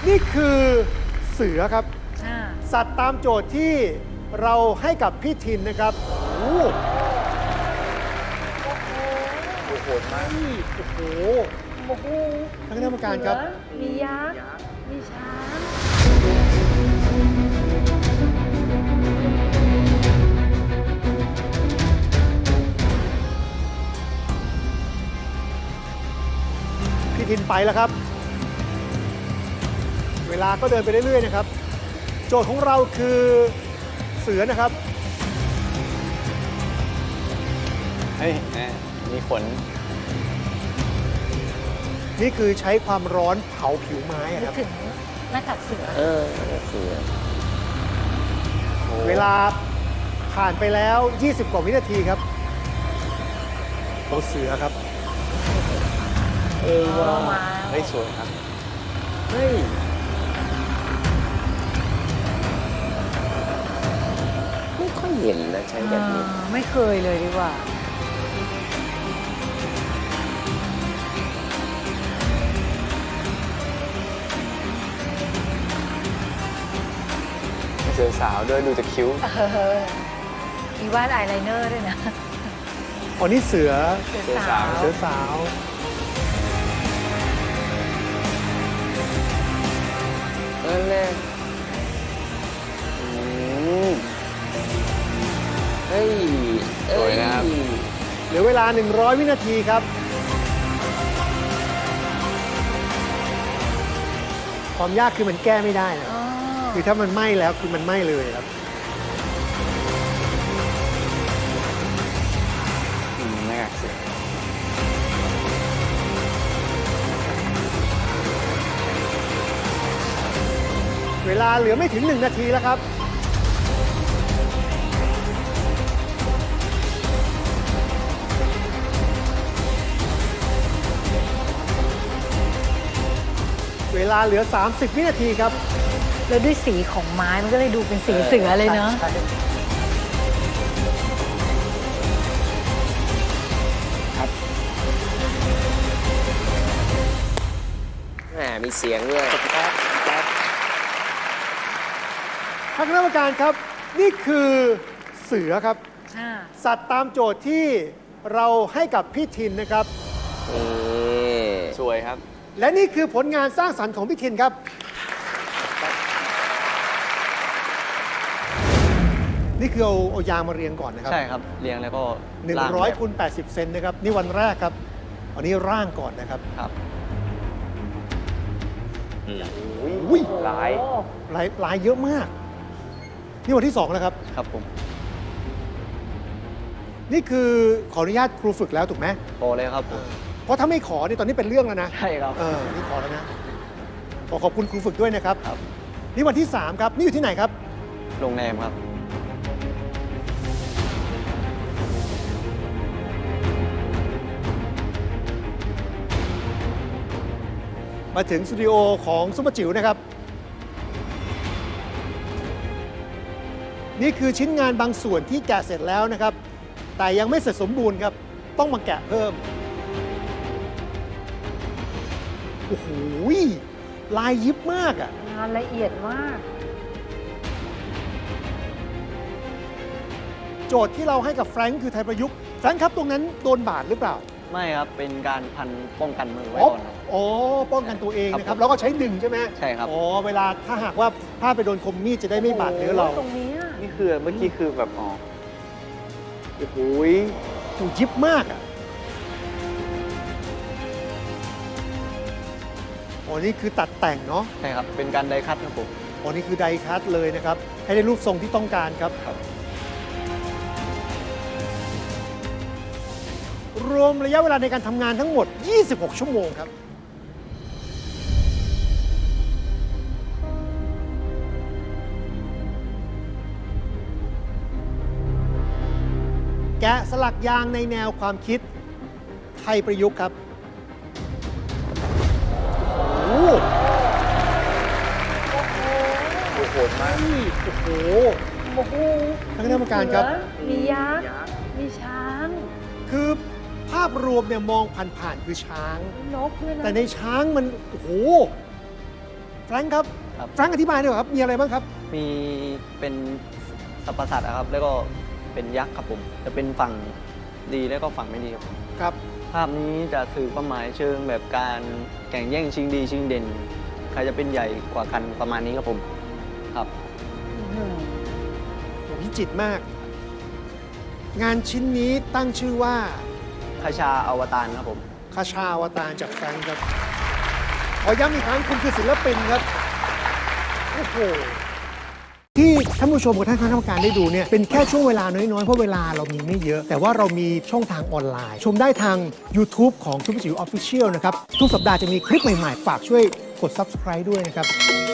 นี่คือเสือครับอ่าสัตว์ตามโจทย์ที่เราให้กับพี่ทินนะครับโอ้โหโหดมากโอ้โหโอ้โหท่านคณะกรรมการครับเสือมียักษ์มีช้างพี่ทินไปแล้วครับ เวลาก็เดินไปเรื่อยๆนะครับ โจทย์ของเราคือเสือนะครับเฮ้ยแม่มีขนนี่คือใช้ความร้อนเผาผิวไม้อะนึคกรับถึงหน้ากากเสือเสือเวลาผ่านไปแล้ว 20 กว่าวินาทีครับตัวเสือครับว้าวเฮ้ยสวยครับเฮ้ยไม่ค่อยเห็นนะใช้แบบนี้ไม่เคยเลยดีกว่าเสือสาวด้วยดูจากคิ้วมีวาดอายไลเนอร์ด้วยนะอ๋อนี่เสือเสือเสือสาสาว วเสือสาวนั่นแหละเฮ้ยสวยนะครับเหลือเวลา 100 วินาทีครับ ความยากคือมันแก้ไม่ได้นะอ๋อคือถ้ามันไหม้แล้วคือมันไหม้เลยครับหน้ากากเสือเวลาเหลือไม่ถึง 1 นาทีแล้วครับ เวลาเหลือ 30 วินาทีครับแล้วด้วยสีของไม้มันก็เลยดูเป็นสีเสือเลยเนาะใช่แหมมีเสียงด้วยท่านคณะกรรมการครับ นี่คือเสือครับอ่าสัตว์ตามโจทย์ที่เราให้กับพี่ทินนะครับนี่สวยครับและนี่คือผลงานสร้างสรรค์ของพี่ทินครับ นี่คือเอายางมาเรียงก่อนนะครับใช่ครับ เรียงแล้วก็ลากแบบ 100คูณ80 เซนนะครับ นี่วันแรกครับอันนี้ร่างก่อนนะครับครับอุ้ยลายลายเยอะมาก นี่วันที่ 2 แล้วครับครับผมนี่คือขออนุญาตครูฝึกแล้วถูกไหมโตเลยครับผมเพราะถ้าไม่ขอนี่ตอนนี้เป็นเรื่องแล้วนะใช่ครับนี่ขอแล้วนะ ขอบคุณครูฝึกด้วยนะครับครับนี่วันที่ 3 ครับ นี่อยู่ที่ไหนครับโรงแรมครับมาถึงสตูดิโอของซุปเปอร์จิ๋วนะครับ นี่คือชิ้นงานบางส่วนที่แกะเสร็จแล้วนะครับ แต่ยังไม่เสร็จสมบูรณ์ครับ ต้องมาแกะเพิ่ม โอ้โหลายยิบมากอ่ะงานละเอียดมากโจทย์ที่เราให้กับแฟรงค์คือไทยประยุกต์ แฟรงค์ครับตรงนั้นโดนบาดหรือเปล่าไม่ครับ เป็นการพันป้องกันมือไว้อ๋อก่อนครับอ๋อ ป้องกันตัวเองนะคครัรับบ แล้วก็ใช้ดึงใช่ไหมใช่ครับอ๋อ เวลาถ้าหากว่าถ้าไปโดนคมมีดจะได้ไม่บาดเนื้อเราตรงนี้อะนี่คือเมื่อกี้คือแบบอ๋อโอ้โหยถูกยิบมากอ่ะอ๋อ นี่คือตัดแต่งเนาะใช่ครับ เป็นการไดคัตครับผมอ๋อ นี่คือไดคัตเลยนะครับ ให้ได้รูปทรงที่ต้องการครับครับรวมระยะเวลาในการทำงานทั้งหมด 26 ชั่วโมงครับ แกะสลักยางในแนวความคิดไทยประยุกต์ครับ โอ้โหโหดมากโอ้โหโอ้โหท่านคณะกรรมการครับเสือมียักษ์มีช้างคือภาพรวมเนี่ยมองผ่านๆคือช้างมีนกด้วยนะแต่ในช้างมัน โอ้โหแฟรงค์ครับครับแฟรงค์อธิบายหน่อยครับมีอะไรบ้างครับมีเป็นสรรพสัตว์นะครับ แล้วก็เป็นยักษ์ครับผม จะเป็นฝั่งดีแล้วก็ฝั่งไม่ดีครับผมครับภาพนี้จะสื่อความหมายเชิงแบบการแข่งแย่งชิงดีชิงเด่น ใครจะเป็นใหญ่กว่ากันประมาณนี้ครับผมครับวิจิตรมาก งานชิ้นนี้ตั้งชื่อว่าคชาอวตารครับผมคาชาอวตารจากแฟรงค์ครับ ขอย้ำอีกครั้งคุณคือศิลปินครับ โอ้โห ที่ท่านผู้ชมกับท่านคณะกรรมการได้ดูเนี่ยเป็นแค่ช่วงเวลาน้อยๆ เพราะเวลาเรามีไม่เยอะ แต่ว่าเรามีช่องทางออนไลน์ ชมได้ทาง YouTube ของทุกจิ๋ว Official นะครับ ทุกสัปดาห์จะมีคลิปใหม่ๆ ฝากช่วยกด Subscribe ด้วยนะครับ